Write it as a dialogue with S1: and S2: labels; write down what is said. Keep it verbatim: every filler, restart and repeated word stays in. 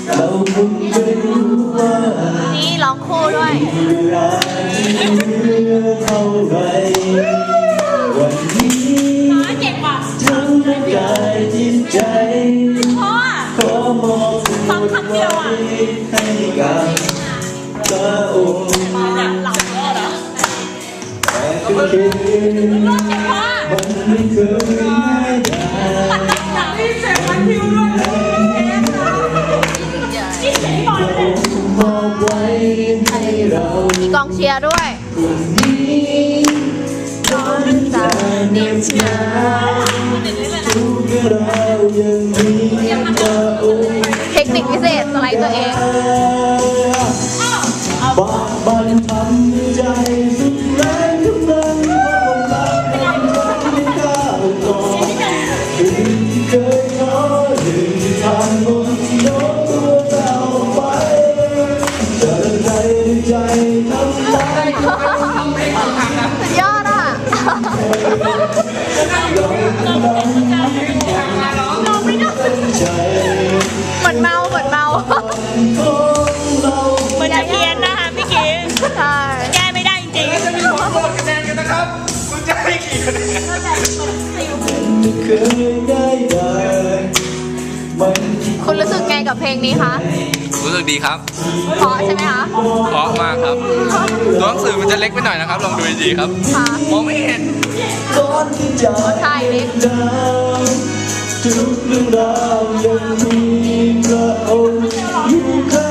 S1: เราคงไม่รู้ว่า
S2: นี่ร้องคู่ด้วย
S1: เวลาจะเหลือเท่าไรวันนี้ทั้งร่างกายจิตใจขอมอบทั้งหมดไว้ให้กับพระองค์แต่ก็เคิดมันไม่เคยง่ายดายมอบไว้ให้เรา
S2: มีกองเชียร์ด้วย
S1: คนนี้ร้อนจะเหน็บหนาวทุกเรื่องราวยังมีพระองค์
S2: เทคนิคพิเศษสไลด์ตัวเอง
S1: บากบั่นทำใจสุดแรงกำลังพระองค์รักให้ฉันก้าวต่อถึงเคยท้อถึงผ่านบนโน้มตัวเราไปเดินใจใจทำได้
S2: สุดยอดอ่ะเหมือนเมาเหมือนเมา
S3: เหมือนจะเพี้ยนนะคะพี่กิ๊ฟ
S2: ใช่
S3: แก้ไม่ได้จริงๆจะมีผลโหวตคะแนนกันนะครับคุณจะให้กี่คะแนน
S2: คุณรู้สึกไงกับเพลงนี้คะ
S4: รู้สึกดีครับ
S2: เพราะใช่ไหมคะ
S4: เพราะมากครับตัวหนังสือมันจะเล็กไปหน่อยนะครับลองดูดีๆครับมองไม่เห็น
S2: ใช่เล็ก
S1: ทุกเรื่องราวยังมีพระองค์อยู่ข้